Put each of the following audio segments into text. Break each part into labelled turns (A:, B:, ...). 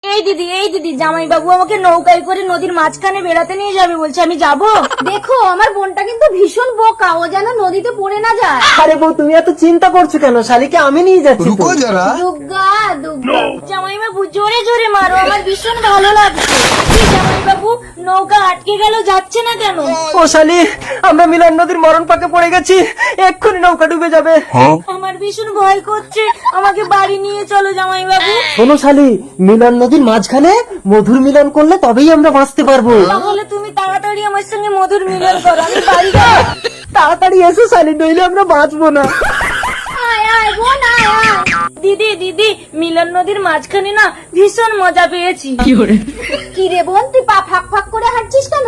A: এই দিদি জামাই বাবু আমাকে নৌকায় করে নদীর মাঝখানে বেড়াতে নিয়ে যাবে বলছে, আমি যাব? দেখো আমার বোনটা কিন্তু ভীষণ বোকা, ও যেন নদীতে পড়ে না যায়।
B: আরে বউ তুমি এত চিন্তা করছো কেন? শালিকে আমি নিয়ে যাচ্ছি তো।
A: দুগ্গা দুগ্গা। জামাই বাবু জোরে জোরে মারো, আমার ভীষণ ভালো লাগছে। জামাই বাবু নৌকা আটকে গেল, যাচ্ছে না কেন?
B: ও শালি, আমরা মিলন নদীর মরণ পাকে পড়ে গেছি, এক্ষুনি নৌকা ডুবে যাবে।
A: আমার ভীষণ ভয় করছে, আমাকে বাড়ি নিয়ে চলো জামাই বাবু।
B: শোনো শালি, মিলন নদীর মাঝখানে মধুর মিলন করলে তবেই আমরা বাঁচতে পারবো।
A: তাহলে তুমি তাড়াতাড়ি আমার সঙ্গে মধুর মিলন করো, আমি বাড়ি যাবো।
B: তাড়াতাড়ি এসো শালি, নইলে আমরা বাঁচবো না।
A: আয় আয় বোন আয় আয়। দিদি মিলন নদীর মাঝখানে না ভীষণ মজা পেয়েছি। কি রে বোন, তুই পা ফাঁক ফাঁক করে হাঁটছিস কেন?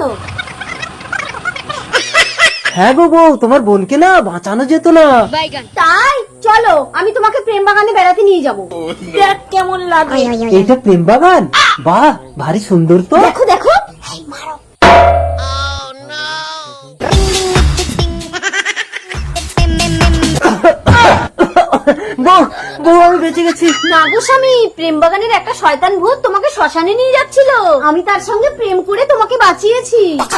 B: হ্যাঁ গো বউ, তোমার বোনকে না বাঁচানো যেত না।
A: তাই চলো, আমি তোমাকে প্রেম বাগানে বেড়াতে নিয়ে যাবো। দেখ কেমন লাগে।
B: এইটা প্রেম বাগান? বাহ, ভারী সুন্দর তো।
A: দেখো দেখো।
B: বউ বউ, আমি বেঁচে গেছি।
A: না গো স্বামী, প্রেম বাগানের একটা শয়তান ভূত তোমাকে শ্মশানে নিয়ে যাচ্ছিল, আমি তার সঙ্গে প্রেম করে তোমাকে বাঁচিয়েছি।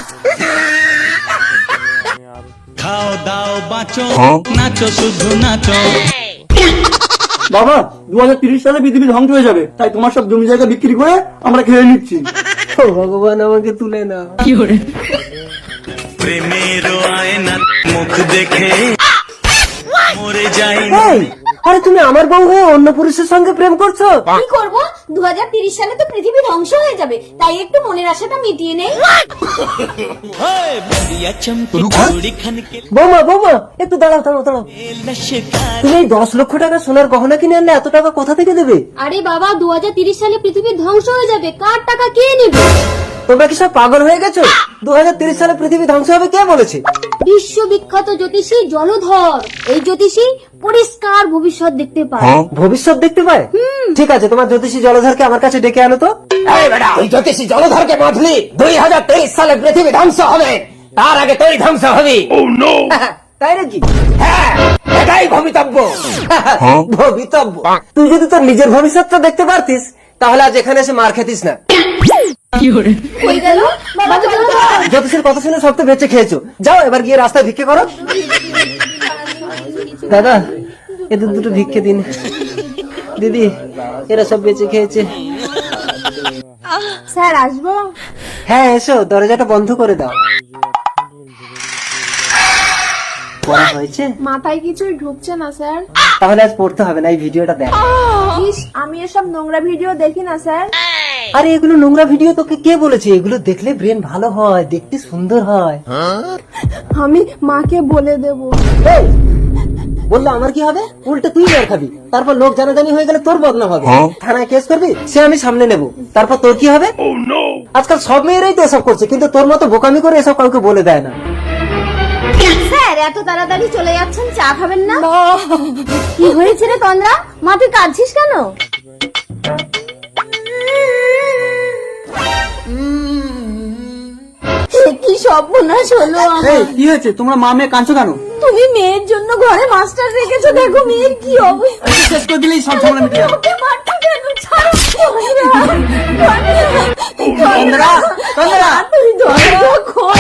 C: খাও দাও বাঁচো, নাচো শুধু নাচো।
D: বাবা 2030 সালে পৃথিবী ধ্বংস হয়ে যাবে, তাই তোমার সব জমি জায়গা বিক্রি করে আমরা খেয়ে নিচ্ছি।
B: ও ভগবান, আমাকে তুলে না।
C: প্রেমের আয়না মুখ দেখে মরে যাই।
B: এই, আরে তুমি আমার বউ হয়ে অন্য পুরুষের সঙ্গে প্রেম করছো?
A: কি করবো, 2030 সালে তো পৃথিবী ধ্বংস হয়ে যাবে, তাই একটু মনের আশাটা মিটিয়ে নেই।
B: বৌমা বৌমা, একটু দাঁড়াও দাঁড়াও দাঁড়াও। তুমি এই 10 লক্ষ টাকা সোনার গহনা কিনে আনলে, এত টাকা কোথা থেকে দেবে?
A: আরে বাবা, 2030 সালে পৃথিবী ধ্বংস হয়ে যাবে, কার টাকা কে নেবে?
B: তোমরা কি সব পাগল হয়ে গেছো? 2030 সালে পৃথিবী ধ্বংস হবে কে বলেছে?
A: বিশ্ববিখ্যাত জ্যোতিষী জলধর, এই জ্যোতিষী পরিষ্কার ভবিষ্যৎ দেখতে পায়।
B: ভবিষ্যৎ দেখতে পায়? ঠিক আছে, তোমার জ্যোতিষী জলধরকে আমার কাছে ডেকে আনো তো। এই বেটা, ওই জ্যোতিষী জলধরকে বাঁধলি 2023 সালে পৃথিবী ধ্বংস হবে, তার আগে তুই ধ্বংস হবি। তাই নাকি? হ্যাঁ, এটাই ভবিতব্য। ভবিতব্য? তুই যদি তোর নিজের ভবিষ্যৎটা দেখতে পারতিস, তাহলে আজ এখানে এসে মার খেতিস না।
A: হয়ে গেল বাবা, চলো।
B: জ্যোতিষের কথা শুনে সব তো বেঁচে খেয়েছো, যাও এবার গিয়ে রাস্তায় ভিক্ষে করো। দাদা, এদের দুটো ভিক্ষে দিন। দিদি, এরা সব বেঁচে খেয়েছে।
A: স্যার আসবো?
B: হ্যাঁ এসো, দরজাটা বন্ধ করে দাও। পড়া হয়েছে?
E: মাথায় কিছুই ঢুকছে না স্যার।
B: তাহলে আজ পড়তে হবে না, এই ভিডিওটা দেখ।
E: ইস, আমি এসব নোংরা ভিডিও দেখি না স্যার।
B: আরে এগুলো নোংরা ভিডিও তোকে কে বলেছে? এগুলো দেখলে ব্রেন ভালো হয়, দেখতে সুন্দর হয়।
E: আমি মাকে বলে দেব।
B: এই, বললো আমার কি হবে? উল্টে তুই মার খাবি, তারপর লোক জানাজানি হয়ে গেলে তোর বদনাম হবে। থানায় কেস করবি, সে আমি সামনে নেব, তারপর তোর কি হবে? আজকাল সব মেয়েরাই তো এসব করছে, কিন্তু তোর মতো বোকামি করে এসব কাউকে বলে দেয় না।
A: স্যার এত তাড়াতাড়ি চলে যাচ্ছেন, চা খাবেন না? কি হয়েছে রে তন্দ্রা, মা তুই কাঁদছিস কেন? কি সর্বনাশ হলো আমার।
D: এই কি হয়েছে, তোমরা মা মেয়ে কাঁদছো কেন?
A: তুমি মেয়ের জন্য ঘরে মাস্টার রেখেছো, দেখো মেয়ের কি অবস্থা।
D: শেষ করে দিলেই সব ঝামেলা মিটে যাবে।
A: ওকে মারছো কেন? ছাড়ো।
D: তন্দ্রা, তন্দ্রা।
A: তুই ধরো খোল।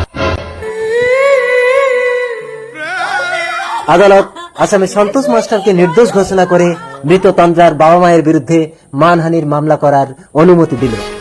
B: আদালত আসামে সন্তোষ মাস্টারকে নির্দোষ ঘোষণা করে মৃত তন্দ্রার বাবা মায়ের বিরুদ্ধে মানহানির মামলা করার অনুমতি দিল।